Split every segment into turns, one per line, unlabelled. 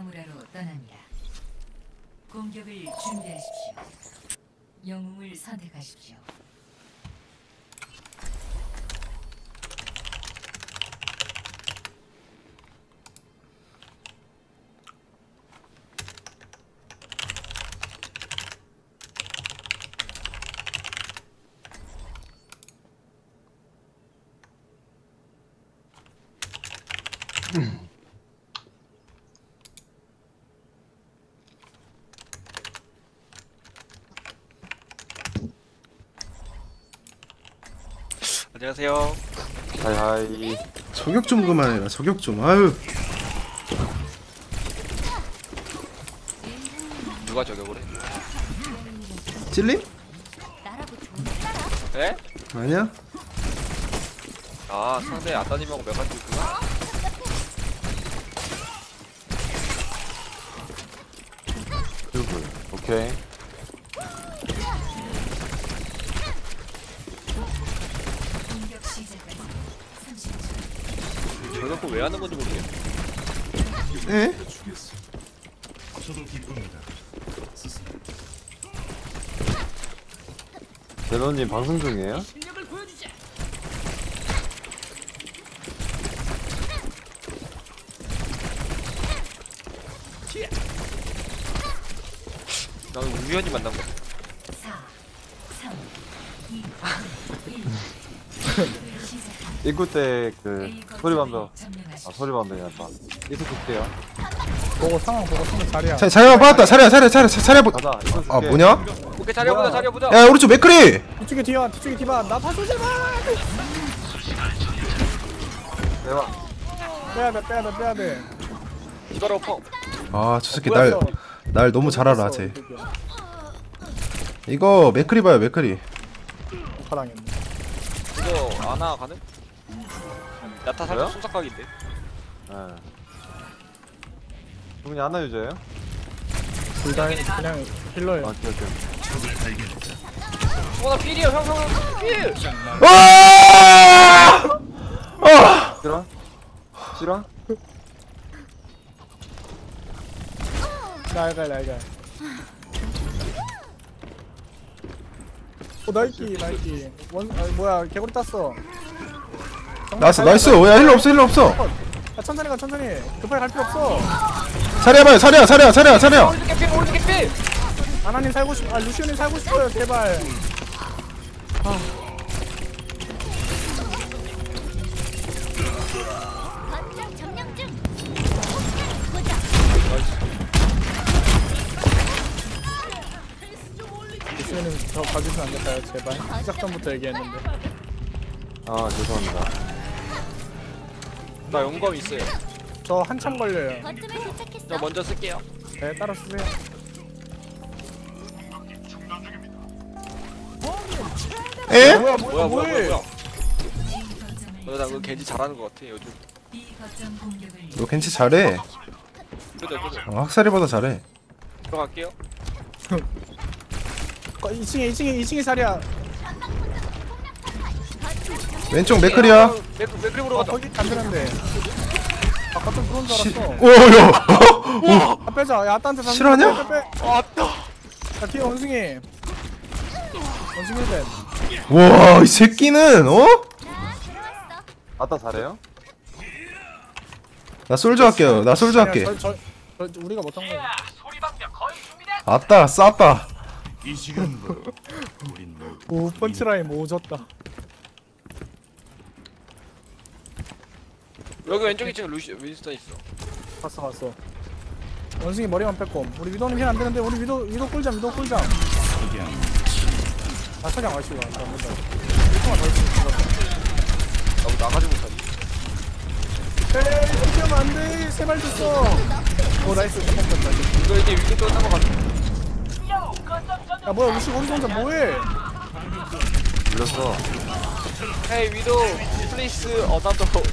나무라로 떠납니다. 공격을 준비하십시오. 영웅을 선택하십시오.
안녕하세요.
하이하이.
저격 좀 그만해라. 저격 좀. 아유.
누가 저격을 해?
찔림?
에?
아니야?
아 상대 아따님하고 메가지 있구나.
큐브. 오케이.
공격 시작까지 30초.
저격을 왜 하는 건지 모르겠네.
에?
제노님 방송 중이에요?
나는 우연히 만난 거.
4, 3, 2, 1.
입구 때 그 소리방벽.
점령하십시오.
아 소리방벽이란다. 입구 줄게요.
보고 상황 보고 쓰면 자리야.
자리야 받았다. 자리야 보.
가자. 입구 줄게.
아 뭐냐?
오케이 자리해보자 자리해보자.
야 오른쪽 맥크리.
뒤쪽에 뒤야 뒤쪽에 뒤봐. 나 봐줘 제발.
대박.
빼야 돼.
이바로 퍼.
아 저 새끼 날 너무 잘 알아 쟤. 이거 맥크리 봐요 맥크리.
파랑했네.
이거 아나 가능? 야타 살짝
뭐야?
순삭각인데.
예. 누구니 하나 유저예요?
둘다 그냥 힐러예요.
아 오케이.
어나 필이야 형 필.
아! 아!
싫어? 싫어?
날가. 나이키. 뭐야 개구리 땄어.
나이스. 야 힐러 없어.
야 천천히 가. 급하게 갈 필요 없어.
자리야 봐요. 자리야.
오른쪽 필.
아나님 살고 싶. 루시오님 살고 싶어요. 제발.
거점 점령 중.
루시오님 저 봐주시면 안 될까요? 제발. 시작 전부터 얘기했는데.
아 죄송합니다.
나 영검 있어요.
저 한참 걸려요.
거점에 도착했어.
저 먼저 쓸게요.
네 따라 쓰세요.
에?
뭐해?
나 그거 겐지 잘하는 거 같아 요즘.
B 거점 공격을
너 괜찮 잘해.
그죠.
학살이보다 잘해.
들어갈게요.
2층에 자리야.
왼쪽 맥크리야.
맥크리 보러 가자.
거기 안 되는데. 아까 좀 그런 줄 알았어.
오야.
빼자. 야 아따한테 상.
실화냐?
빼.
왔다.
야 뒤에 원숭이 밴.
와 이 새끼는 어?
아따 잘해요?
나 솔저 할게요. 할게.
저 우리가 못한 거야.
아따 쌌다.
오 펀치라인 모졌다.
여기 왼쪽 2층에 윈스턴 있어.
봤어. 원숭이 머리만 뺐고 우리 위도는 힐안 되는데 우리 위도 꿀잠. 아 석양 아쉬워. 잘못다. 1통만 더 있으면 죽었다.
나보다 나가지 못하지.
에이 이렇게 하면 안돼. 3발 줬어. 오 나이스. 잠깐만 나이스.
이거 이제 위도 끝난 거 같아.
야 뭐야 루시 거기서 혼자 뭐해?
밀렸어.
헤이 위도 플레이스 어나더.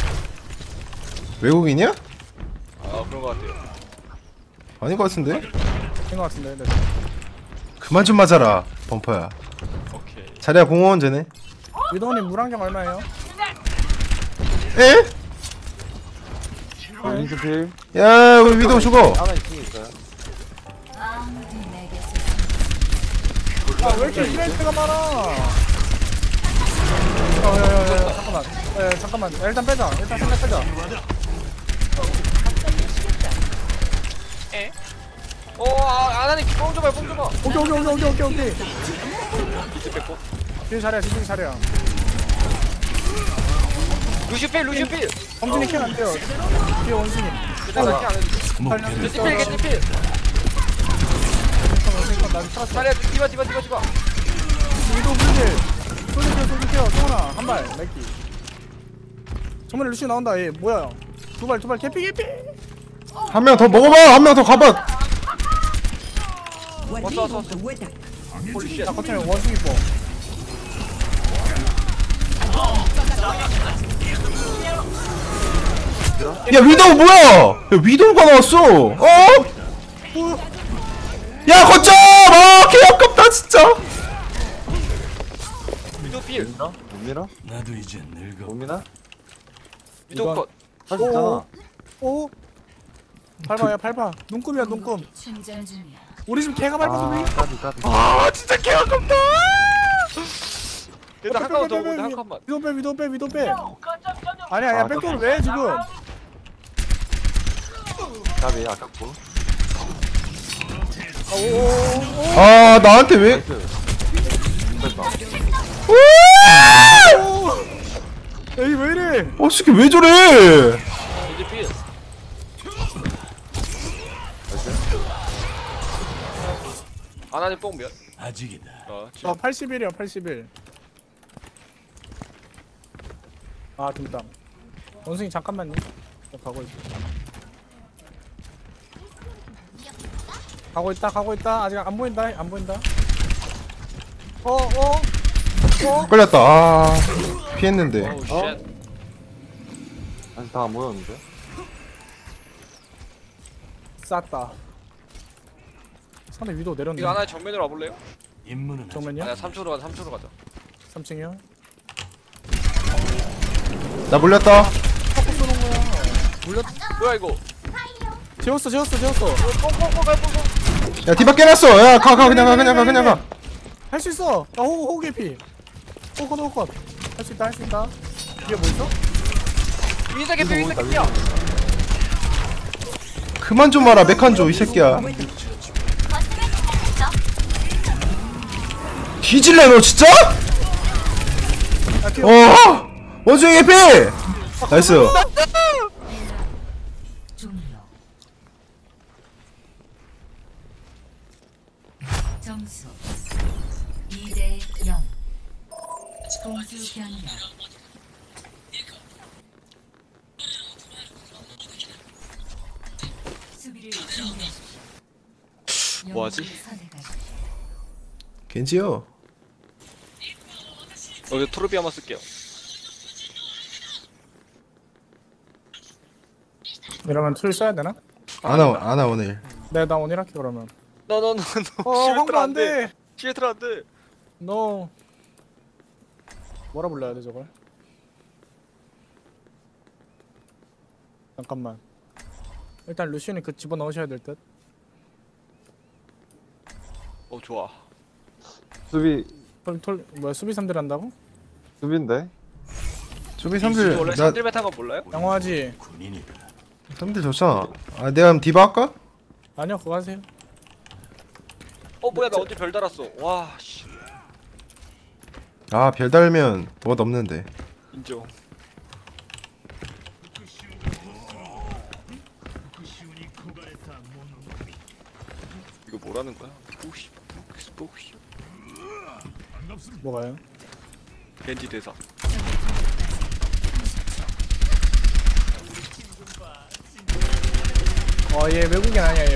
외국인이야?
아 그런 거 같아요.
아닌 것 같은데?
된거 같은데. 네.
그만 좀 맞아라 범퍼야.
오케이.
자리야 공원 쟤네.
위도님 물안경 얼마예요?
에?
윈스 필.
야 우리 위도우 죽어.
하나 2층에 있어요.
아무도 내게서
아, 왜 이렇게 힐라이트가 많아? 야야야 잠깐만. 야 잠깐만. 야, 일단 빼자. 일단 생각 빼자.
아나님 뽕 줘봐 뽕 줘봐.
오케이.
비트 뺐고.
뒤에 잘해. 뒤에 잘해야.
루시필.
범준이 캔 안 돼요. 뒤에 원숭이.
일단 이렇게 안 해도 돼.
살려.
겐지필.
난 살았어.
잘해 디바.
위도 불길. 쏠게요. 성훈아 한 발. 맥기. 정말 루시 나온다. 얘 뭐야? 두 발. 개피.
한 명 더 먹어봐. 한 명 더 가봐.
왔어. 홀리쉣.
나 커튼에 원숭이 뽕.
야 위도우 뭐야? 야 위도우가 나왔어. 어? 야 거점. 아 개아깝다 진짜.
위도필.
못 밀어?
나도 이제 늙어.
못 미나?
위도 컷.
할 수 있잖아.
오. 밟아야 밟아. 눈금이야 눈금.
충전 중이야.
우리 집 개가 밟아서 왜?
까비.
아 진짜 개아깝다. 일단 한 칸만 더 오는데 한 칸만.
위도 빼. 아니야 백도를 왜 지금?
까비 아깝고.
아 나한테 왜?
나이스. 됐다.
에이 왜 이래?
어 새끼 왜 저래?
겐지필. 아나님 뽕 몇?
아직이다.
저 81이야 81. 아 dum땀. 원숭이 잠깐만요. 저 가고 있어. 가고 있다. 아직 안 보인다.
걸렸다. 아 피했는데.
오우 쉣.
아직 다 안 모였는데?
쌌다. 상대 위도 내렸네.
이거 하나의 정면으로 와볼래요?
임무는
정면이야?
아니야 3초로 가자.
3층이요?
나 물렸다.
뭐야 이거?
재웠어.
야 디바 깨놨어. 야 가 그냥 가.
할 수 있어. 야 호구 개피. 호컷. 할 수 있다. 뒤에 뭐 있어?
윈서 개피야.
그만 좀 와라 메칸조 이 새끼야. 뒤질래 너 진짜?
야 뒤에
어 원숭이 개피. 나이스.
종료. 점수 2대 0. 공수 변경. 수비를 준비하십시오.
뭐하지?
영웅을 선택하십시오.
겐지요.
여기 토르비 한번 쓸게요.
이러면 툴 써야 되나?
아나 오늘.
네, 나 오늘 할게 그러면.
너너너너
황금 안 돼.
시애틀 안 돼.
너 뭐라 불러야 돼 저걸? 잠깐만. 일단 루시온이 그 집어 넣으셔야 될 듯.
좋아.
수비
뭐야 수비 3들 한다고?
수비인데?
수비
원래
3들 나
3딜 탄 거 몰라요?
양호하지?
군인이다.
3들 좋잖아. 아 내가 그럼 디바 할까?
아니요 그거 하세요.
뭐야 나 언제 별 달았어. 와 씨.
아 별 달면 뭐가 넘는데.
인정. 이거 뭐라는 거야? 뽀시.
뭐가요?
겐지 대사.
얘 외국인 아니야.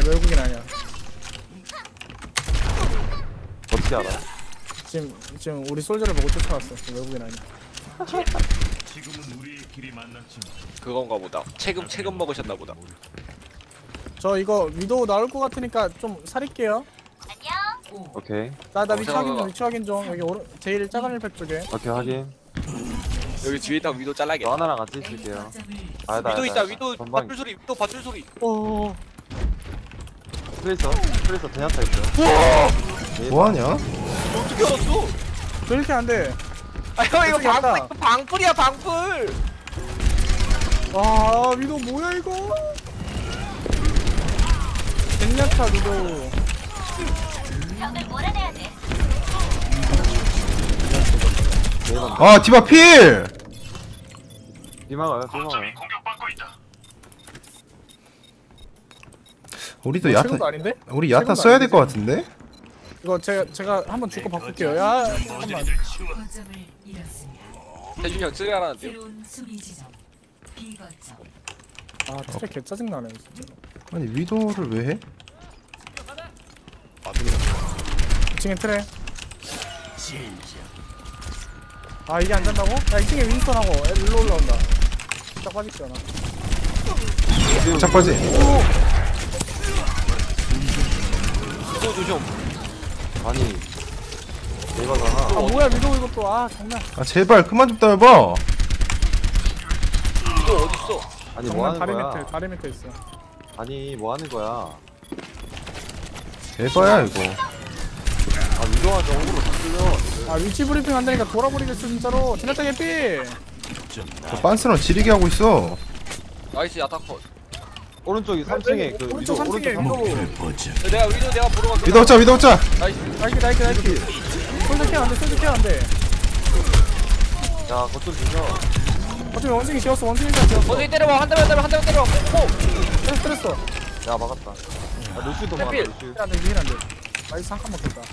어떻게 알아?
지금 우리 솔저를 보고 쫓아왔어. 외국인 아니야.
지금은 우리의 길이 만났지만
그건가 보다. 체금 먹으셨나 보다.
저 이거 위도우 나올 것 같으니까 좀 살릴게요.
오케이.
나
잠깐만.
위치 확인 좀. 여기 제일 작은 일팩 쪽에.
오케이 확인.
여기 뒤에 있다가 위도
저
잘라야겠다.
하나랑 같이
A
있을게요.
거점을
아니다,
위도 있다.
아니다.
위도
전방
밧줄 소리. 위도 밧줄 소리.
트레이서 제냐타 있어요. 네,
뭐하냐?
어떻게 알았어?
저 이렇게 안돼.
아 형 이거
어떻게 알았다.
방풀이야 방풀.
와 위도 뭐야 이거. 젠야타 위도.
벽을 몰아내야 돼.
아 디바 필!
비망아요, 비망아요.
우리도 야타
최고도 아닌데?
우리 야타
최고도
써야
아니지?
될 것 같은데?
이거 제가 한번 주고 바꿀게요. 야 잠깐만.
거점을 잃었습니다.
태준이 형 쓰레라는데요.
새로운 수비 지점 B 거점.
아 트랙 개 짜증 나네. 진짜.
아니 위도를 왜 해?
2층에 트랙. 아 이게 안 잔다고? 야 2층에 윈스턴하고 일로 올라온다. 딱 빠질게 나.
착바지.
위도 조심.
아니, 내가잖아.
아 뭐야 위도 이것도 아 장난.
아 제발 그만 좀 따여봐.
위도 어딨어?
아니, 뭐
장난
하는 거야?
다리 밑에 있어.
아니, 뭐 하는 거야?
에바야 이거.
아, 위도가 정으로 다 끌려.
아 위치 브리핑 안 되니까 돌아버리겠어 진짜로. 젠야타 개피.
저 빤스랑 지리게 하고 있어.
나이스 야타컷.
오른쪽이 3층에 그
오른쪽
위도,
3층에
오른쪽
위도.
보자.
내가 보러 갈게.
위도 없자 위도 없자.
나이스.
나이키. 솔드 케어 안돼 솔드 케어 안돼.
야, 거점 주셔.
어차피 원숭이 지었어 원숭이가 지었어.
원숭이 때려봐. 한 대만 때려. 오.
때렸어.
야, 막았다. 야, 루시도 막았다,
필.
루시.
안돼 위인 안돼. 나이스 한 칸만 더.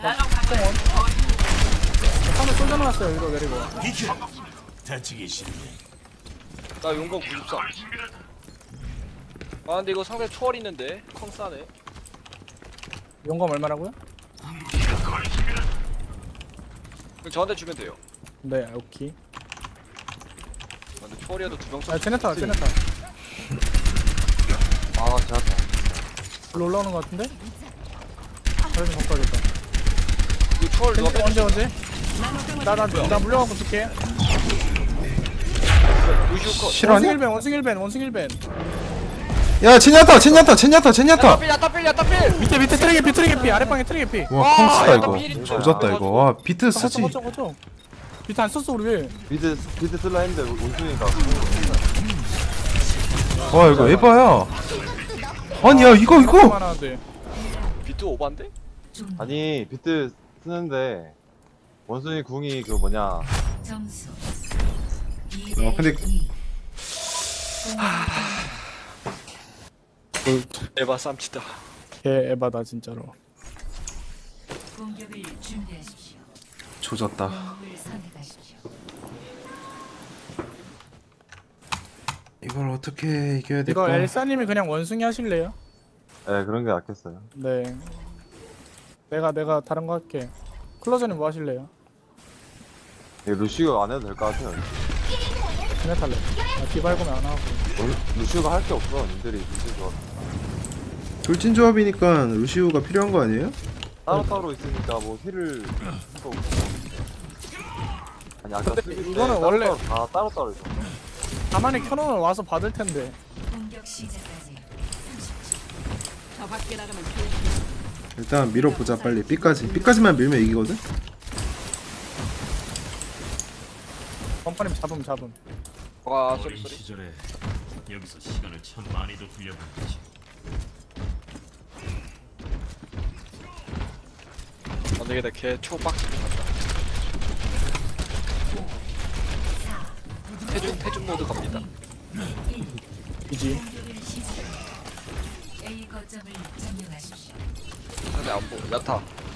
한번 솔드 넣었어요 이거 내리고.
비켜. 다치기 싫네.
나 용검 94. 아 근데 이거 상대 초월 있는데 컹 싸네.
용검 얼마라고요?
그럼 저한테 주면 돼요.
네 오케이.
아, 근데 초월이어도 두명 써.
아 제네타.
아, 제냐타.
일로 올라오는 거 같은데? 그래 좀 바꿔야겠다.
이거 초월 누가 빼?
언제? 나 물려갖고 줄게.
루시우 컷.
실화냐?
원숭이 1벤.
야 젠야타.
야타필.
밑에 트랙에 피 아랫방에 트랙에 피.
와 컹스다
약간
이거.
필인 줄.
조졌다 이거. 와 비트 쓰지.
거쳐. 밑에 안 썼어 우리 왜?
비드 쓸라 했는데, 원숭이가.
와 이거 에바야. 아니 야 이거.
하나인데.
비트 오반데?
좀
아니, 비트 쓰는데, 원숭이 궁이 그 뭐냐.
점수
근데
2대2.
에바 쌈치다.
개 에바다 진짜로.
공격을 준비하십시오.
조졌다.
공을 선택하십시오.
이걸 어떻게 이겨야
이거
될까?
엘사님이 그냥 원숭이 하실래요?
네, 그런 게 낫겠어요.
네. 내가 다른 거 할게. 클로저님 뭐 하실래요?
루시가 안 해도 될 것 같아요.
그냥 탈래. 디발고면 안 하고.
루시가 할 게 없어, 님들이 루시가.
돌진 조합이니까 루시우가 필요한 거 아니에요?
따로따로 있으니까 뭐 힐을 또 아니 아까
근데
수비 때
이거는 원래-
다 따로따로 있어.
가만히 켜놓으면 와서 받을 텐데.
공격 시작까지 30초.
일단 밀어보자 빨리. B까지만 밀면 이기거든?
범퍼님 잡음.
와
어린
쏘리.
시절에 여기서 시간을 참 많이도 굴려보냈지.
안 되겠다. 걔 초박스 같다. 태준 모드 갑니다.
이지.
공격을 시작. A 거점을 점령하십시오.
근데 안 보. 야타.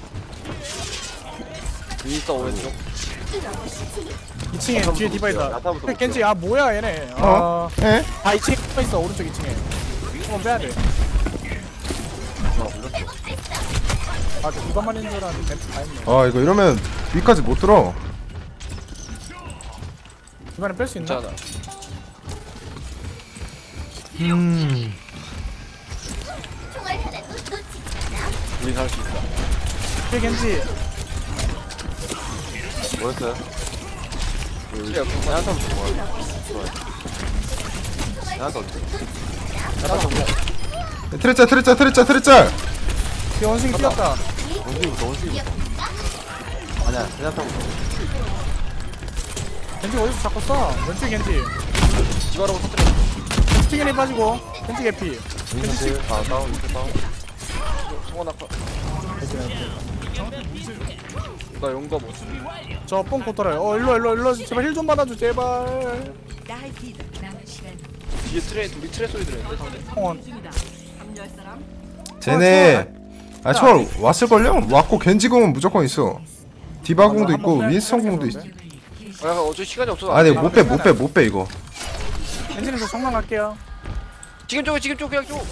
윈스터 오른쪽.
2층에 뒤에 디바이다.
야타부터
겐지 아 뭐야 얘네.
어? 에?
2층에 디바 있어 오른쪽 2층에. 이거 빼야 돼. 아 저 디바만 있는 줄 알았는데 벤츠 다 있네.
아 이거 이러면 위까지 못 들어.
디바는 뺄 수 있나?
괜찮아.
총알 하나도 놓치지 않아.
우린 할 수 있다.
뒤에 겐지.
뭐였어요?
그래 옆에 거.
야타 좋아. 야타 어때? 야타 정면.
트레짤.
뒤에 원숭이 뛰었다.
원숭이부터. 아니야, 야타부터.
겐지 어디서 자꾸 쏴? 왼쪽 겐지.
디바라고 터뜨려.
스팅에 빠지고 겐지 개피.
윈스트, 다운, 윈스트 다운.
송원 아파. 나 용거 못.
저뽕 곧돌아요. 일로 제발 힐 좀 받아줘 제발.
남은 시간
뒤에 트레 우리 트레 소리 들었는데 상대.
홍원.
쟤네 초월 왔을걸요? 왔고 겐지공은 무조건 있어. 디바공도 있고 윈스턴 공도 있어.
아 어차피 시간이 없어서.
아니 못 빼 이거.
겐지는 저 성남 갈게요.
지금 쪽 그냥 쪽.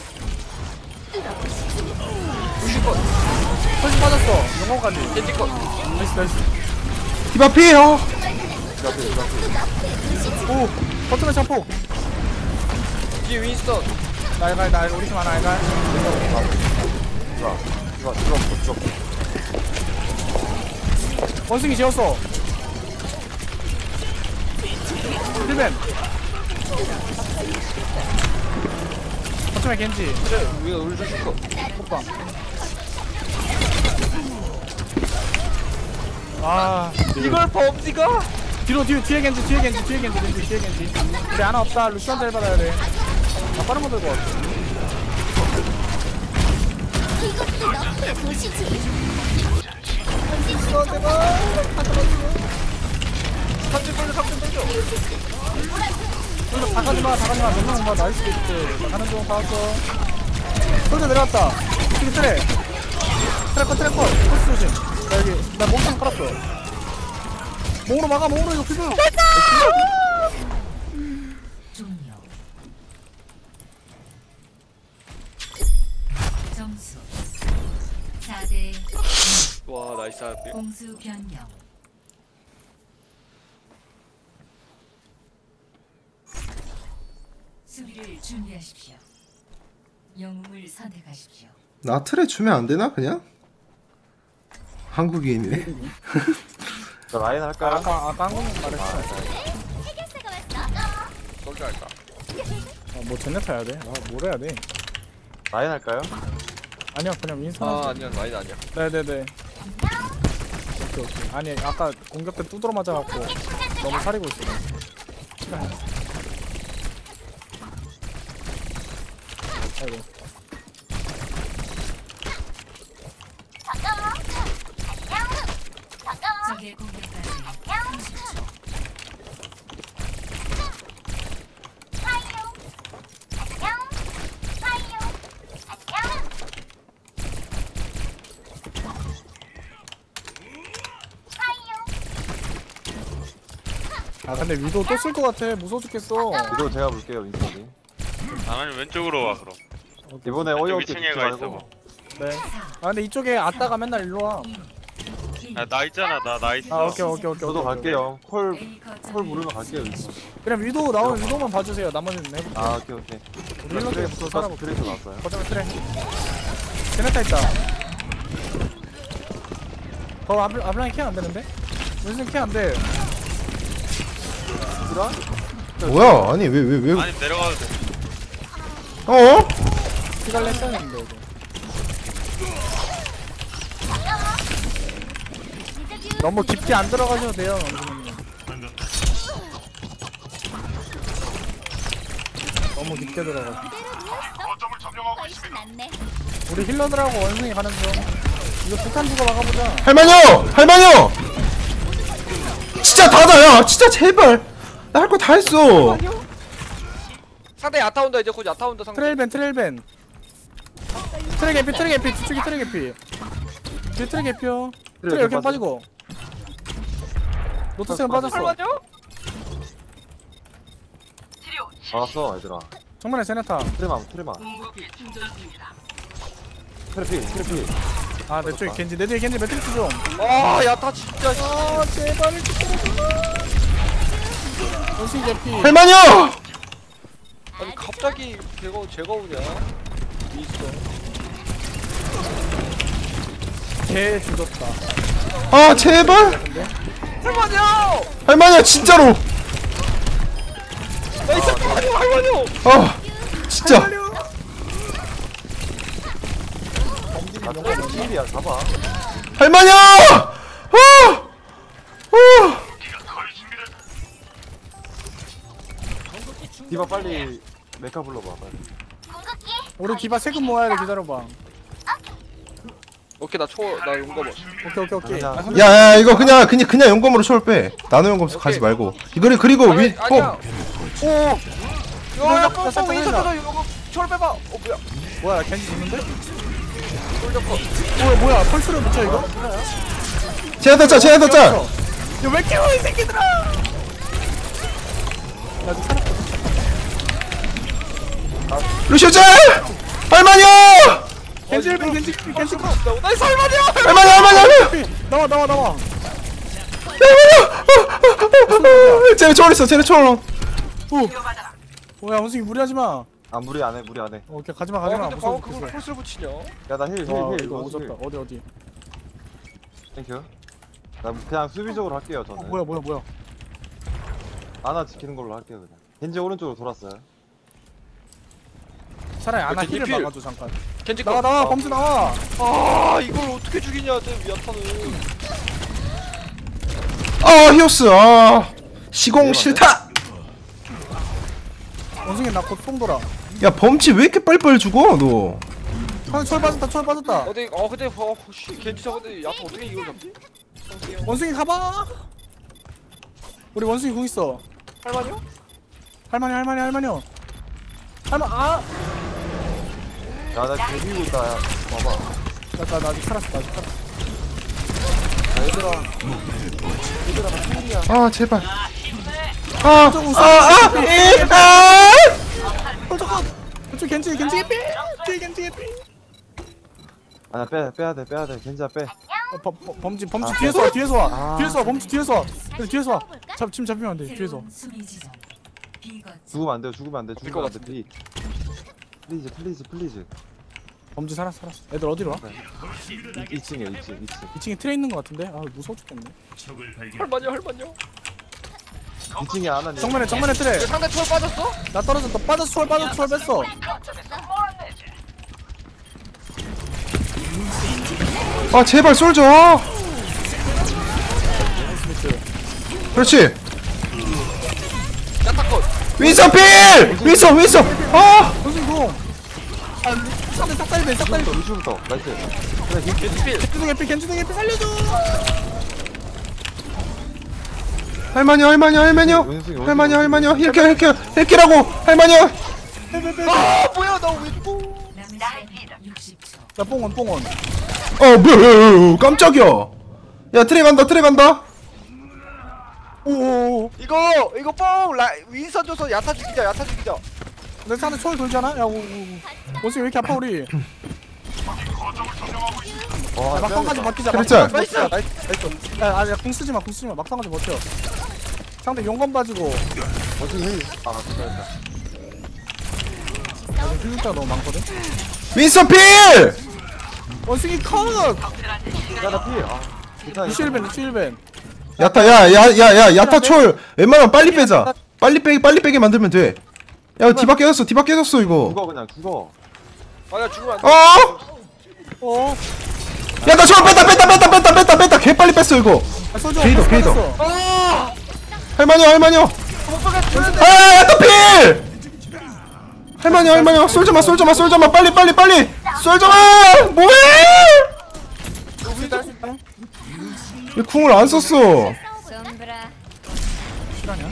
펄스 빠졌어. 영광까지.
겐지 거.
나이스.
디바 피해요.
오 버튼을 잡고.
뒤에 윈스턴.
날 우리 팀 하나 알갈.
들어.
원숭이 지었어. 힐벤. 버튼에 겐지.
그래 우리가 우리 줄 거.
호빵. 아
이걸 범지가?
뒤에 겐지. 우리 하나 없다. 루시안테 받아야 돼. 나 빠른 거 들고 왔어.
이것도 너의 도시지.
다 가지마. 몇명 봐. 나이스 게이트. 나 가는 중 봤어. 솔져 내려왔다. 지금 트래커. 코스 조심. 나 여기, 나 몸통 깔았어. 몸으로 막아, 이거 피부.
종료. 점수 4대
와 나이스 하트.
공수 변경. 수비를 준비하십시오. 영웅을 선택하십시오.
나 트레 주면 안 되나 그냥? 한국인이네.
저 라인 할까요?
아까 한국인 말했어.
해결사가 왔어.
솔져 할까?
뭐 젠네타 해야 돼? 뭘 해야 돼?
라인 할까요?
아니요, 그냥 윈선.
아 아니야 라인 아니야.
네네네. 오케이. 아니, 아까 공격 때 두드러 맞아갖고 너무 사리고 있어. 아이고.
적의 공격까지 30초.
아 근데 위도 또 쓸 것 같아. 무서워 죽겠어.
이거 제가 볼게요, 윈스턴이.
나는 왼쪽으로 와 그럼.
이번에 어이없게
왼쪽
죽지
위층에 가 있어
말고.
봐.
네. 아 근데 이쪽에 아따가 맨날 일로 와.
나 있잖아 나 있어.
아 오케이.
저도 갈게요. 콜
A 거점을
부르면 갈게요, 윈스턴.
그냥 위도 나오면 위도만 봐주세요. 나머지는 해볼게.
아, 오케이.
우리 힐러들부터 살아볼게.
트레이서 나왔어요.
거점에 트레. 제네타 있다. 아블라인 케어 안 되는데? 무슨 케어 안 돼?
뭐야? 아니 왜?
아니 내려가도 돼.
어?
피갈래 했어야 했는데 이거. 너무 깊게 안 들어가셔도 돼요. 원숭이님. 너무 깊게 들어가.
훨씬 낫네.
우리 힐러들하고 원숭이 가는 중. 이거 폭탄 주고 막아보자.
할만요! 진짜 다다야! 진짜 제발! 나 할 거 다 했어!
상대 야타 온다 이제 곧 야타 온다 상대.
트레일벤. 트레 개피. 뒤쪽이 트레 개피. 뒤에 트레 개피요. 트레 이렇게 빠지고. 노트스가 빠졌어.
알았어, 얘들아.
정면에 제네타.
트레만. 트레피.
아, 내 쪽에 겐지. 내 뒤에 겐지 매트릭스 좀.
아 야타 진짜.
아, 제발 원숭이 개피.
할만요!
아니 갑자기 제가 오냐? 있어.
개 죽었다.
아 제발! 할만이야 진짜로.
나이스 할만요.
아 진짜.
필이야 잡아.
할만이야.
디바 빨리 메카 불러봐 빨리.
우리 디바 세금 모아야 돼. 기다려봐.
오케이 나 용검.
오케이.
그냥
아,
야야 이거 그냥 연검으로 초월 빼. 나노 연검 가지 말고. 그리고 위.
아니야.
오.
야야
나 살짝
뽕뽕
흘린다.
인사잖아. 이거 철 빼봐. 뭐야?
뭐야 겐지 죽는데?
솔저컷.
뭐야 펄스를 붙여 이거?
제나타 짜.
야왜 깨워 이 새끼들아! 나도 살았거든.
루시오 짤. 할만이야.
겐지 컷!
나이스 할만이야.
할만이야.
나와.
쟤네 초월 있어. 쟤네 초월.
뭐야 원숭이 무리하지마.
아 무리 안해.
오케이 가지마.
근데
무서워.
방금 그걸 펄스를 붙이냐?
야나 힐.
와
힐.
이거 오졌다. 어디?
땡큐. 나 그냥 수비적으로 할게요 저는.
뭐야?
아나 지키는 걸로 할게요 그냥. 겐지 오른쪽으로 돌았어요.
차라리 아나
겐지
힐을
필.
막아줘 잠깐.
겐지
나와 범수 나와.
아 이걸 어떻게 죽이냐 쟤 야타는.
히오스. 시공 싫다.
원숭이 나 곧 뽕 돌아.
야 범치 왜 이렇게 빨리빨리 죽어 너?
형 철 빠졌다.
어디 근데 씨 겐지 잡았는데 야타 어떻게 이걸 잡지?
원숭이 가봐. 우리 원숭이 궁 있어.
할만요?
할만이요.
야나 데비고 있다. 야, 봐봐.
나 아직 살았어.
아 제발.
그쪽 겐지 에피.
아나 빼야 돼. 겐지야 빼.
범지
아,
뒤에서 와.
아.
범지 뒤에서 와. 지금 잡히면 안 돼. 뒤에서.
새로운 수비 지점. 비거점.
죽으면 안 돼. 죽으면 안 돼. 플리즈.
범지 살았어. 애들 어디로 와?
2층에 2층.
2층에 트레 있는 거 같은데? 아 무서워 죽겠네.
적을 발견.
할만요?
2층에 아나님.
정면에 트레.
상대 초월 빠졌어?
나 떨어졌다. 빠졌어. 초월 뺐어.
아 제발 솔져. 그렇지.
야타컷.
윈서 필. 윈서.
원숭이 공. 상대 싹다리 배.
루시부터. 나이스.
겐지 필.
겐지등 에피 살려줘.
할만이요. 힐키라고. 할만이요.
아 뭐야 나 왜 또?
남은 시간 60초.
나 뽕원.
뭐야 깜짝이야. 야 트레 간다.
오.
이거 뽕 윈선 줘서 야타 죽이자.
내 상대 초월 돌잖아. 야 원숭이 왜 이렇게 아파 우리? 막상까지 버티자.
그랬죠?
나이스.
야, 궁 쓰지 마. 막상까지 버텨. 상대 용건 빠지고.
원숭이 힐. 아 됐다.
힐자가 너무 많거든.
윈서 필.
원숭이 컷.
야나 필. 아. 괜찮아.
루시일벤.
야타 야타 초월 웬만하면 빨리 빼자. 빨리 빼게 만들면 돼. 야 디바 깨졌어 이거.
죽어 그냥 죽어.
아야 죽으면 안 돼.
어?
야 나 초월 뺐다. 개 빨리 뺐어 이거. 게이더. 할만이요. 아 야타 필. 할만이요. 솔져마 빨리. 솔져마 뭐해? 왜 궁을 안 썼어?
솜브라.
실화냐?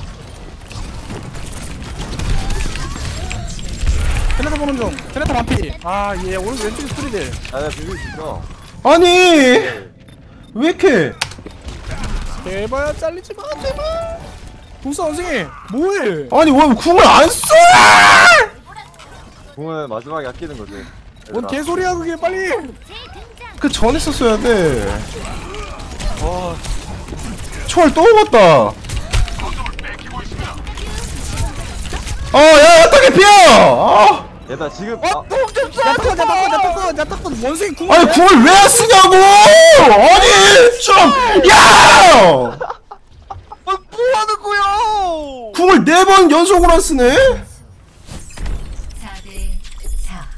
테네타 보는 중. 테네타 반피. 얘 오른쪽 왼쪽에 스토리들.
야나 비빌 수 있어.
아니 왜 이렇게?
제발 잘리지 마 제발. 궁사 원숭이 뭐해?
아니 왜 궁을 안 써?
공을 마지막에 아끼는 거지.
뭔 개소리야 그게 빨리.
그 전에 썼어야 돼. 초월 또 먹었다. 야 야타 개피야.
얘들아 지금
뽕좀
야타콘 원숭이 궁.
아니 궁을 왜 안 쓰냐고! 아니 좀 야!
뭐 하는 거야?
궁을 4번 연속으로 안 쓰네?
4대 4.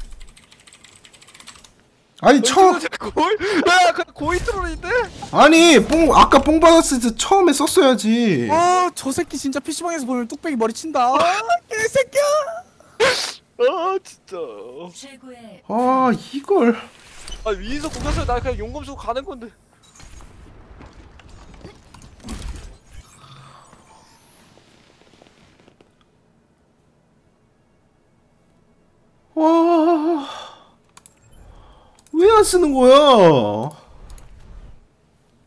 아니 처음
골? 야, 그 고이 트롤인데?
아니 아까 뽕 받았을 때 처음에 썼어야지.
저 새끼 진짜 PC방에서 보면 뚝배기 머리 친다. 개새끼야.
아, 진짜.
최고의
아 이걸
아, 위에서 공격해서 나 그냥 용검 쓰고 가는 건데.
와 왜 안 쓰는 거야?